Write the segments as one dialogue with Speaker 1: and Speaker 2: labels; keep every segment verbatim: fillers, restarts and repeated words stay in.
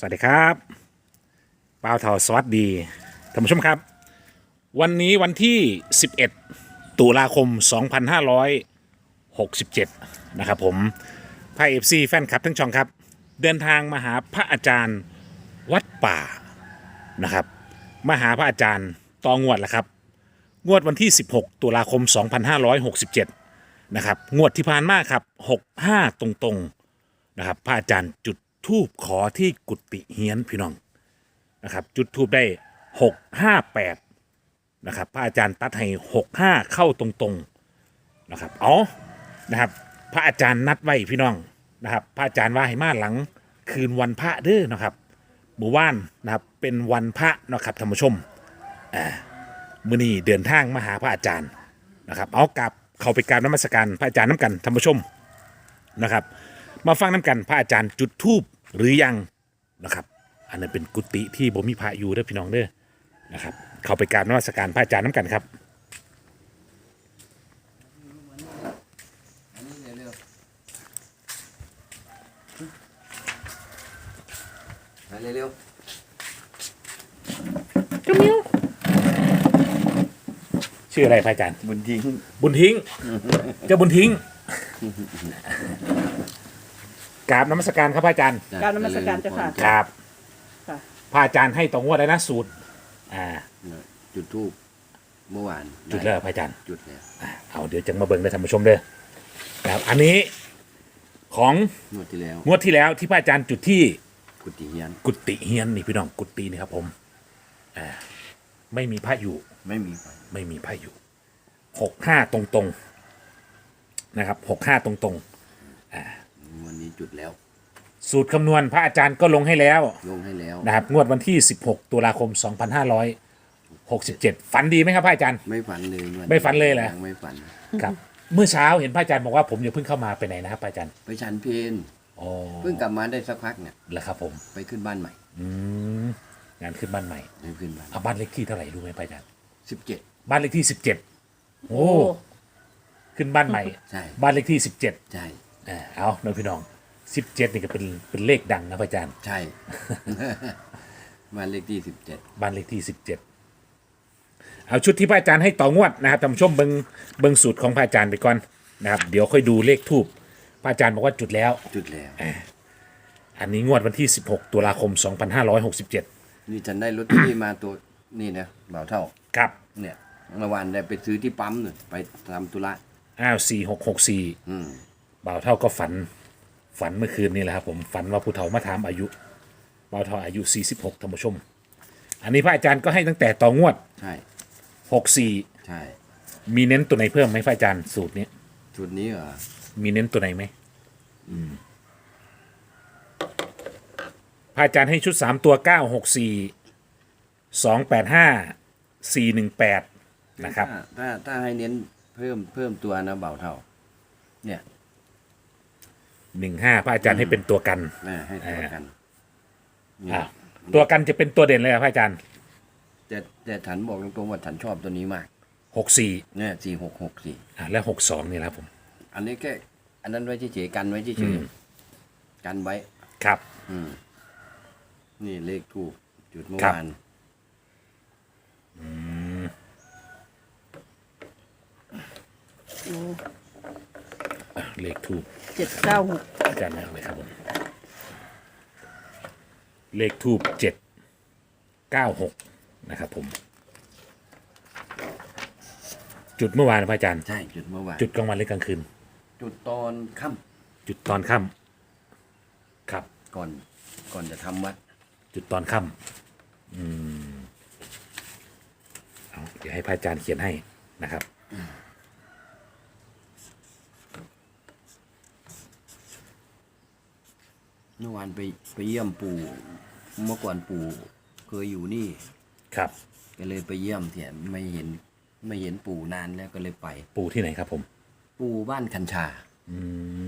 Speaker 1: วัสดีครับป้าวเทาสวัสดีท่านผู้ชมครับวันนี้วันที่สิบเอ็ดตุลาคมสองพันห้าร้อยหกสิบเจ็ดนะครับผมไพเอฟซีแฟนคลับทั้งช่องครับเดินทางมาหาพระอาจารย์วัดป่านะครับมาหาพระอาจารย์ตองวดแหละครับงวดวันที่สิบหกตุลาคมสองพันห้าร้อยหกสิบเจ็ดนะครับงวดที่ผ่านมาครับหกสิบห้าตรงๆนะครับพระอาจารย์จุดธูปขอที่กุฏิเฮียนพี่น้องนะครับจุดธูปได้หกห้าแปดนะครับพระอาจารย์ตัดให้หกห้าเข้าตรงๆนะครับอ๋อนะครับพระอาจารย์นัดไว้พี่น้องนะครับพระอาจารย์ว่าให้มาหลังคืนวันพระเด้อนะครับหมู่บ้านนะครับเป็นวันพระนะครับท่านผู้ชมอ่ามื้อนี้เดินทางมาหาพระอาจารย์นะครับเอากลับเข้าไปกราบนมัสการพระอาจารย์น้ำกันท่านผู้ชมนะครับมาฟังน้ำกันพระอาจารย์จุดธูปหรือยังนะครับอันนั้นเป็นกุฏิที่บ่มีพระอยู่เด้อพี่น้องเด้อนะครับเข้าไปกราบนมัสการพระอาจารย์น้ำกันครับ
Speaker 2: ไปเร็ว
Speaker 1: เจ้ามิวชื่ออะไรพระอาจารย์
Speaker 2: ๆบุญทิ้ง
Speaker 1: บุญทิ้งเจ้าบุญทิ้งกราบนมัสการครับพระอาจารย์
Speaker 3: กราบนมัสการเจ้าค่ะ
Speaker 1: ครับ
Speaker 3: ค่ะ
Speaker 1: พระอาจารย์ให้ตรงวดได้นะสูตรอ่า
Speaker 2: จุดทูบเมื่อวาน
Speaker 1: จุดแล้วพระอาจารย์
Speaker 2: จุดแล้ว
Speaker 1: อ่าเอาเดี๋ยวจะมาเบิ่งได้ท่านผู้ชมเด้อนะครับอันนี้ของ
Speaker 2: งวดที่แล้ว
Speaker 1: งวดที่แล้วที่พระอาจารย์จุดที่
Speaker 2: กุฏิเฮียน
Speaker 1: กุฏิเฮียนนี่พี่น้องกุฏินี่ครับผมอ่าไม่มีพระอยู่
Speaker 2: ไม่มีไฟ
Speaker 1: ไม่มีพระอยู่หกห้าตรงตรงๆนะครับหกห้าตรงตรง
Speaker 2: วันนี้จุดแล้ว
Speaker 1: ๆสูตรคำนวณพระอาจารย์ก็ลงให้แล้ว
Speaker 2: ลงให้แล้ว
Speaker 1: นะครับงวดวันที่สิบหกตุลาคมสองพันห้าร้อยหกสิบเจ็ดฝันดีไหมครับพระอาจารย์
Speaker 2: ไม่ฝันเลยวัน
Speaker 1: ไม่ฝันเลยเหรอ
Speaker 2: งไม่ฝัน
Speaker 1: ครับเมื่อเช้าเห็นพระอาจารย์บอกว่าผมอย่าเพิ่งเข้ามาไปไหนนะครับพระอาจารย์
Speaker 2: ไปฉันเพน
Speaker 1: อ๋อ
Speaker 2: เพิ่งกลับมาได้สักพักเนี่ย
Speaker 1: แล้วครับผม
Speaker 2: ไปขึ้นบ้านใหม่
Speaker 1: อืมงานขึ้นบ้านใหม่
Speaker 2: ไปขึ้นบ้าน
Speaker 1: เอาบ้านเลขที่เท่าไหร่รู้ไหมพระอาจารย์
Speaker 2: สิบเจ็ด
Speaker 1: บ้านเลขที่สิบเจ็ดโอ้ขึ้นบ้านใหม่
Speaker 2: ใช่
Speaker 1: บ้านเลขที่สิบเจ็ด
Speaker 2: ใช่
Speaker 1: อ่าเอาน้องพี่น้องสิบเจ็ดนี่ก็เป็นเป็นเลขดังนะพระอาจารย์
Speaker 2: ใช่ บ้านเลขที่สิบเจ็ด
Speaker 1: บ้านเลขที่สิบเจ็ดเอาชุดที่พระอาจารย์ให้ต่องวดนะครับท่านผู้ชมเบิงเบิงสูตรของพระอาจารย์ไปก่อนนะครับเดี๋ยวค่อยดูเลขทูบพระอาจารย์บอกว่าจุดแล้ว
Speaker 2: จุดแล้ว
Speaker 1: อันนี้งวดวันที่สิบหกตุลาคมสองพันห้าร้อยหกสิบเจ็ด
Speaker 2: นี่ฉันได้รถที่มาตัวนี่นะเบาเท่า
Speaker 1: ครับ
Speaker 2: เนี่ยเมื่อวานได้ไปซื้อที่ปั๊มเนี่ยไปทำธุระ
Speaker 1: อ้าวสี่หกหกสี่
Speaker 2: อืม
Speaker 1: บ่าวเท่าก็ฝันฝันเมื่อคืนนี่แหละครับผมฝันว่าผู้เฒ่ามาถามอายุบ่าวเท่าอายุสี่สิบหกท่านผู้ชม อันนี้พระอาจารย์ก็ให้ตั้งแต่ต่องวด
Speaker 2: ใช่
Speaker 1: หกสี่
Speaker 2: ใช่
Speaker 1: มีเน้นตัวไหนเพิ่มไหมพระอาจารย์สูตรนี้
Speaker 2: จุดนี้เหรอ
Speaker 1: มีเน้นตัวไหนไหมอืมพระอาจารย์ให้ชุดสามตัวเก้าหกสี่สองแปดห้าสี่หนึ่งแปดนะครับ
Speaker 2: ถ้าถ้าถ้าให้เน้นเพิ่มเพิ่มตัวนะเบาเท่า เนี่ย
Speaker 1: หนึ่งห้าพระอาจารย์ให้เป็นตัวกัน
Speaker 2: นะให้ตัวกันเนี่
Speaker 1: อ่าย ตัวกันจะเป็นตัวเด่นเลยครับพระอาจารย์
Speaker 2: แต่แต่ฉันบอกตรงๆว่าฉันชอบตัวนี้มาก
Speaker 1: หกสี่
Speaker 2: เนี่ยสี่หกหกสี่
Speaker 1: อ่าและหกสองนี่แหละครับผม
Speaker 2: อันนี้แค่อันนั้นไว้เฉยๆกันไว้เฉ
Speaker 1: อื
Speaker 2: ย
Speaker 1: ม
Speaker 2: ๆกันไว้
Speaker 1: ครับ
Speaker 2: อืมนี่เลขทูกจุดเมื่อ
Speaker 1: ครับ
Speaker 2: วาน
Speaker 1: เลขทูบ
Speaker 3: เจ็ดเก้าหก
Speaker 1: อาจารย์เอาเลยครับผมเลขทูบเจ็ดเก้าหกนะครับผม จุดเมื่อวานนะพระอาจารย์
Speaker 2: ใช่จุดเมื่อวาน
Speaker 1: จุดกลางวันหรือกลางคืน
Speaker 2: จุดตอนค่
Speaker 1: จุดตอนค่ำครับ
Speaker 2: ำก่อนก่อนจะทำวัด
Speaker 1: จุดตอนค่ำอืมเอาเดี๋ยวให้พระอาจารย์เขียนให้นะครับ
Speaker 2: เมื่อวานไปไปเยี่ยมปู่เมื่อก่อนปู่เคยอยู่นี่
Speaker 1: ครับ
Speaker 2: ก็เลยไปเยี่ยมเถียไม่เห็นไม่เห็นปู่นานแล้วก็เลยไป
Speaker 1: ปู่ที่ไหนครับผม
Speaker 2: ปู่บ้านคันชา
Speaker 1: อืม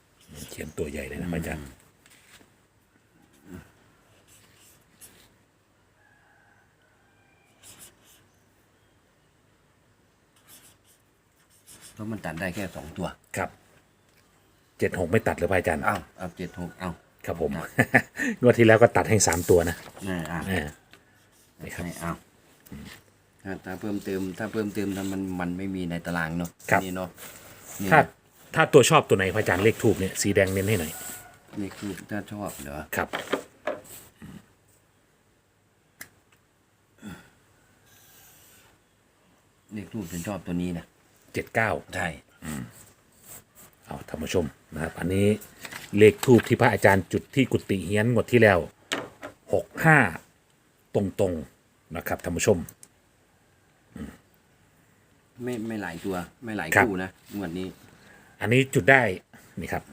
Speaker 1: เขียนตัวใหญ่เลยนะพระอาจารย์
Speaker 2: เพราะมันตัดได้แค่สองตัว
Speaker 1: ครับเจ็ดหกไม่ตัดเลยพระอาจารย์
Speaker 2: เอ้าเอาเจ็ดหกเอา
Speaker 1: ครับผม
Speaker 2: ครับ
Speaker 1: งวดที่แล้วก็ตัดให้สามตัวนะ
Speaker 2: นี่อ่ะ
Speaker 1: เออ นี่ครับ
Speaker 2: ให้เอาถ้าถ้าเพิ่มเติม ถ้าเพิ่มเติมถ้ามันมันไม่มีในตารางเนาะ
Speaker 1: ครับ
Speaker 2: นี่เนาะนี่
Speaker 1: ถ้าถ้าตัวชอบตัวไหนพระอาจารย์เลขทูบเนี่ยสีแดงเน้นให้หน่อย
Speaker 2: นี่คือถ้าชอบเหรอ
Speaker 1: ครับ
Speaker 2: เลขทูบฉันชอบตัวนี้นะ
Speaker 1: เจ็ดเก้า
Speaker 2: ใช่
Speaker 1: เอาท่านผู้ชมนะครับ อันนี้เลขทูบที่พระอาจารย์จุดที่กุฏิเฮียนงวดที่แล้วหกห้าตรงๆนะครับท่านผู้ชม
Speaker 2: ไม่ไม่หลายตัว ไม่หลาย
Speaker 1: ครับ
Speaker 2: คู่นะงวดนี้
Speaker 1: อันนี้จุดได้นี่ครับ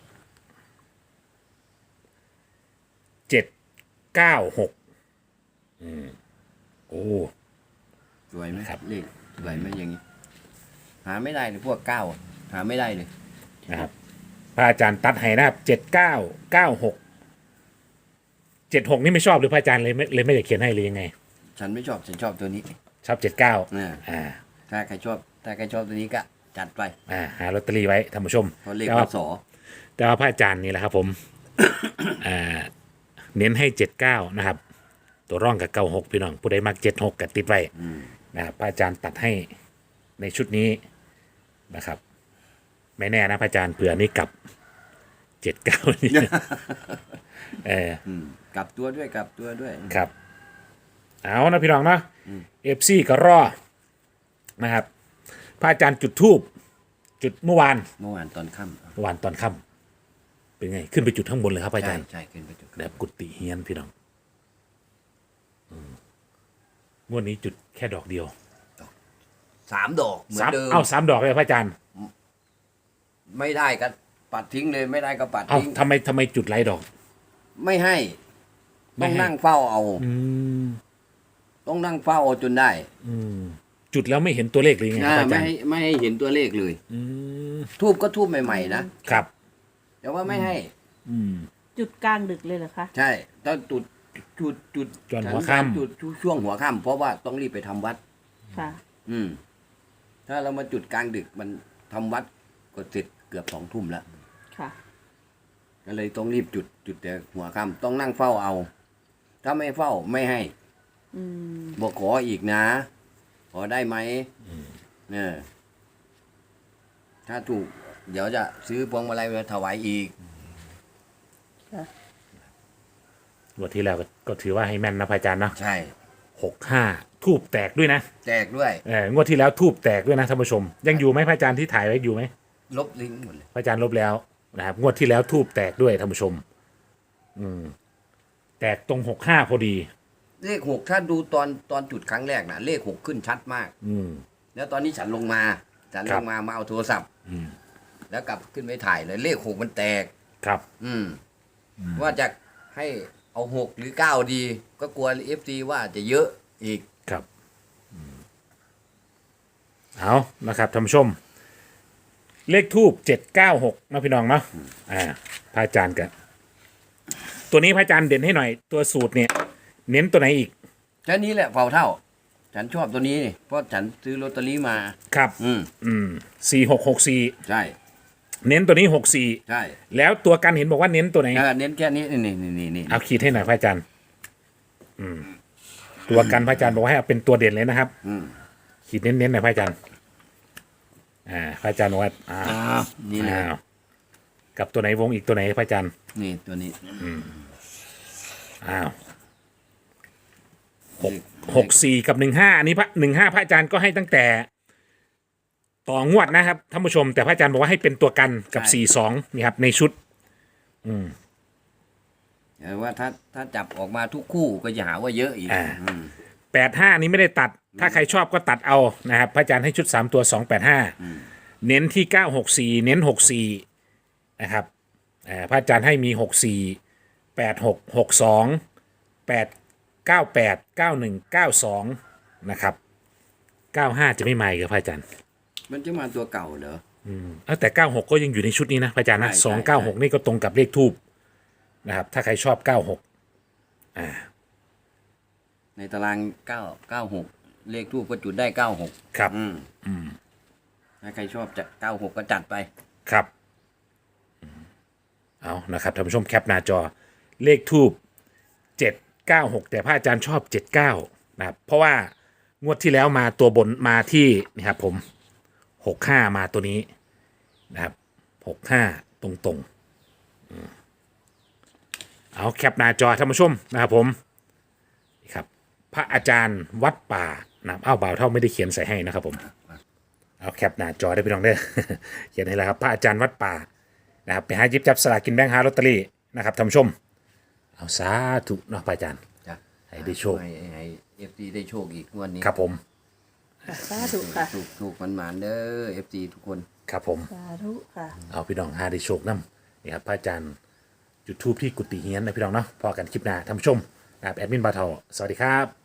Speaker 1: เจ็ดเก้าหกอืมโอ้
Speaker 2: สวยไหม
Speaker 1: ครับ
Speaker 2: เลขสวยไหมอย่างนี้ หาไม่ได้เลยพวกเก้าอะหาไม่ได้เลย
Speaker 1: นะครับพระอาจารย์ตัดให้นะครับเจ็ดเก้าเก้าหกเจ็ดหกนี่ไม่ชอบหรือพระอาจารย์เลยไม่เลยไม่ได้เขียนให้เลยยังไง
Speaker 2: ฉันไม่ชอบฉันชอบตัวนี้
Speaker 1: ชอบเจ็ดเก้า
Speaker 2: อ่า
Speaker 1: อ่า
Speaker 2: ถ้าใครชอบ ถ้าใครชอบตัวนี้ก็จัดไป
Speaker 1: อ่าหาลอตเตอรี่ไว้ท่านผู้ชม
Speaker 2: เพราะเลข
Speaker 1: แต่
Speaker 2: พ
Speaker 1: ว่า
Speaker 2: ศ
Speaker 1: แต่ว่าพระอาจารย์นี่แหละครับผม อ่าเน้นให้เจ็ดเก้านะครับ ตัวร่องกับเก้าหกพี่น้องผู้ใดมักเจ็ดหกกับติดไว้
Speaker 2: อืม
Speaker 1: นะครับพระอาจารย์ตัดให้ในชุดนี้นะครับ ไม่แน่นะพระอาจารย์เผื่อนี่กลับเจ็ดเก้านี่ เออ
Speaker 2: อืมกลับตัวด้วยกลับตัวด้วย
Speaker 1: ครับ เอานะพี่น้องเนาะเอฟซีก็รอนะครับพระอาจารย์จุดทูบจุดเมื่อวาน
Speaker 2: เมื่อวานตอนค่
Speaker 1: เมื่อวานตอนค่ำเป็นไง ขึ้นไปจุดข้างบนเลยครับพระ
Speaker 2: ำ
Speaker 1: อา
Speaker 2: ใช่
Speaker 1: จารย์
Speaker 2: ใช่ขึ้นไปจุด
Speaker 1: แบบกุฏิเฮียนพี่น้องอืมงวดนี้จุดแค่ดอกเดียว
Speaker 2: สามดอกเหมือ
Speaker 1: สาม
Speaker 2: นเดิม
Speaker 1: เอาสามดอกเลยพระอาจารย์
Speaker 2: ไม่ได้ก็ปัดทิ้งเลยไม่ได้ก็ปัด
Speaker 1: เอา
Speaker 2: ทิ้ง
Speaker 1: ทำไมทำไมจุดไรดอก
Speaker 2: ไม่ให้
Speaker 1: ไม่
Speaker 2: ต้อง
Speaker 1: ให้
Speaker 2: นั่งเฝ้าเอา
Speaker 1: อืม
Speaker 2: ต้องนั่งเฝ้าเอาจนได้
Speaker 1: อืมจุดแล้วไม่เห็นตัวเลขเลยไงครับ
Speaker 2: อ่า
Speaker 1: พระอา
Speaker 2: ไม่
Speaker 1: จารย์
Speaker 2: ให้ไม่ให้เห็นตัวเลขเลย
Speaker 1: อืม
Speaker 2: ทูบก็ทูบใหม่ๆนะครับ แต่ว่าไม่ให้
Speaker 1: อืม
Speaker 3: จุดกลางดึกเลยเหรอคะ
Speaker 2: ใช่ต้องจุดจุดจุด
Speaker 1: จนหัวค่ำ
Speaker 2: จุดช่วงหัวค่ำเพราะว่าต้องรีบไปทำวัด
Speaker 3: ค่ะ
Speaker 2: อืม ถ้าเรามาจุดกลางดึกมันทำวัดก็เสร็จเกือบสองทุ่มแล้ว
Speaker 3: ค่ะ
Speaker 2: ก็เลยต้องรีบจุดจุดแต่หัวค่ำต้องนั่งเฝ้าเอา ถ้าไม่เฝ้าไม่ให้
Speaker 3: อืม
Speaker 2: บอกขออีกนะ ขอได้ไหมเนี่ยถ้าถูก เดี๋ยวจะซื้อพวงมาลัยมาถวายอีก
Speaker 3: ค่ะ
Speaker 1: งวดที่แล้วก็ก็ถือว่าให้แม่นนะพระอาจารย์เนาะ
Speaker 2: ใช่
Speaker 1: หกห้าทูบแตกด้วยนะ
Speaker 2: แจกด้วย
Speaker 1: เอองวดที่แล้วทูบแตกด้วยนะท่านผู้ชม ยังอยู่ไหมพระอาจารย์ที่ถ่ายไว้อยู่ไหม
Speaker 2: ลบลิงก์หมดเลย
Speaker 1: พระอาจารย์ลบแล้วนะครับงวดที่แล้วทูบแตกด้วยท่านผู้ชม อืม แตกตรงหกห้าพอดี
Speaker 2: เลขหกถ้าดูตอนตอนจุดครั้งแรกนะเลขหกขึ้นชัดมาก
Speaker 1: อืม
Speaker 2: แล้วตอนนี้ฉันลงมา ฉัน
Speaker 1: ครั
Speaker 2: ล
Speaker 1: บ
Speaker 2: งมามาเอาโทรศัพท์
Speaker 1: อืม
Speaker 2: แล้วกลับขึ้นไปถ่ายเลย เลขหกมันแตก
Speaker 1: ครับ
Speaker 2: อืม ว่าจะให้เอาหกหรือเก้าดี ก็กลัวเอฟซีว่าจะเยอะอีก
Speaker 1: ครับอืมเอานะครับท่านผู้ชม เลขทูบเจ็ดเก้าหกนะพี่น้องเนาะอ่าพระอาจารย์กันตัวนี้พระอาจารย์เด่นให้หน่อย ตัวสูตรเนี่ย เน้นตัวไหนอีก
Speaker 2: แค่นี้แหละเผาเท่า ฉันชอบตัวนี้นี่เพราะฉันซื้อลอตเตอรี่มา
Speaker 1: ครับ
Speaker 2: อืม
Speaker 1: อืมสี่หกหกสี่
Speaker 2: ใช่
Speaker 1: เน้นตัวนี้หกสี่
Speaker 2: ใช่
Speaker 1: แล้วตัวกันเห็นบอกว่าเน้นตัวไหน
Speaker 2: เออเน้นแค่นี้นี่นี่นี่นี่นี่
Speaker 1: เอาขีดให้หน่อยพระอาจารย์ อืม ตัวกันพระอาจารย์บอกว่าให้เอาเป็นตัวเด่นเลยนะครับ
Speaker 2: อืม
Speaker 1: ขีดเน้นๆหน่อยพระอาจารย์ อ่า พระอาจารย์บอกว่าอ่า
Speaker 2: อ้าวนี่เลย
Speaker 1: อ้าวกับตัวไหนวงอีกตัวไหนพระอาจารย์
Speaker 2: นี่ตัวนี้
Speaker 1: อ้าวหกหกสี่กับหนึ่งห้าอันนี้พระหนึ่งห้าพระอาจารย์ก็ให้ตั้งแต่ ต่องวดนะครับท่านผู้ชม แต่พระอาจารย์บอกว่าให้เป็นตัวกันกับสี่สองนี่ครับ ในชุด
Speaker 2: แต่ว่าถ้าถ้าจับออกมาทุกคู่ก็จะหาว่าเยอะอีก
Speaker 1: อ่า
Speaker 2: อืม
Speaker 1: แปดห้านี้ไม่ได้ตัด ถ้าใครชอบก็ตัดเอานะครับ พระอาจารย์ให้ชุดสามตัวสองแปดห้าเน้นที่เก้าหกสี่เน้นหกสี่นะครับอ่าพระอาจารย์ให้มีหกสี่แปดหกหกสองแปดเก้าแปดเก้าหนึ่งเก้าสองนะครับเก้าห้าจะไม่มาอีกับพระอาจารย์
Speaker 2: มันจะมาตัวเก่าเหรอ
Speaker 1: เอ้าแต่เก้าหกก็ยังอยู่ในชุดนี้นะพระอาจารย์นะ
Speaker 2: ใช่
Speaker 1: สอง
Speaker 2: ใช่
Speaker 1: เก้าหกนี่ก็ตรงกับเลขทูบนะครับ ถ้าใครชอบเก้าหก
Speaker 2: ในตารางเก้าเก้าหกเลขทูปก็จุดได้เก้าหก
Speaker 1: ครับ
Speaker 2: อืมถ้าใครชอบจะเก้าหกก็จัดไป
Speaker 1: ครับอืมเอานะครับท่านผู้ชมแคปหน้าจอเลขทูบเจ็ดเก้าหกแต่พระอาจารย์ชอบเจ็ดเก้านะครับเพราะว่างวดที่แล้วมาตัวบนมาที่นี่ครับผมหกห้ามาตัวนี้นะครับหกห้าตรงตรงๆอืมเอาแคปหน้าจอท่านผู้ชมนะครับผมนี่ครับพระอาจารย์วัดป่านะครับอ้าวบ่าวเท่าไม่ได้เขียนใส่ให้นะครับผมเอาแคปหน้าจอได้พี่น้องเด้อ เขียนให้แล้วครับพระอาจารย์วัดป่านะครับไปหาหยิบจับสลากกินแบ่งหาลอตเตอรี่นะครับท่านผู้ชมเอาสาธุเนาะพระอาจารย์
Speaker 2: จ้ะ
Speaker 1: ให้ได้โชค
Speaker 2: ให้ให้เอฟซีได้โชคอีกงวดนี้
Speaker 1: ครับผม
Speaker 3: ค่ะสาธุค่ะ
Speaker 2: ถูกถูกมันหมานๆเด้อเอฟซีทุกคน
Speaker 1: ครับผม
Speaker 3: สาธุค่ะ
Speaker 1: เอาพี่น้องหาได้โชคน้ำนี่ครับพระอาจารย์จุดทูปที่กุฏิเฮียนนะพี่น้องเนาะพอกันคลิปหน้าท่านผู้ชมนะครับแอดมินบาทอสวัสดีครับ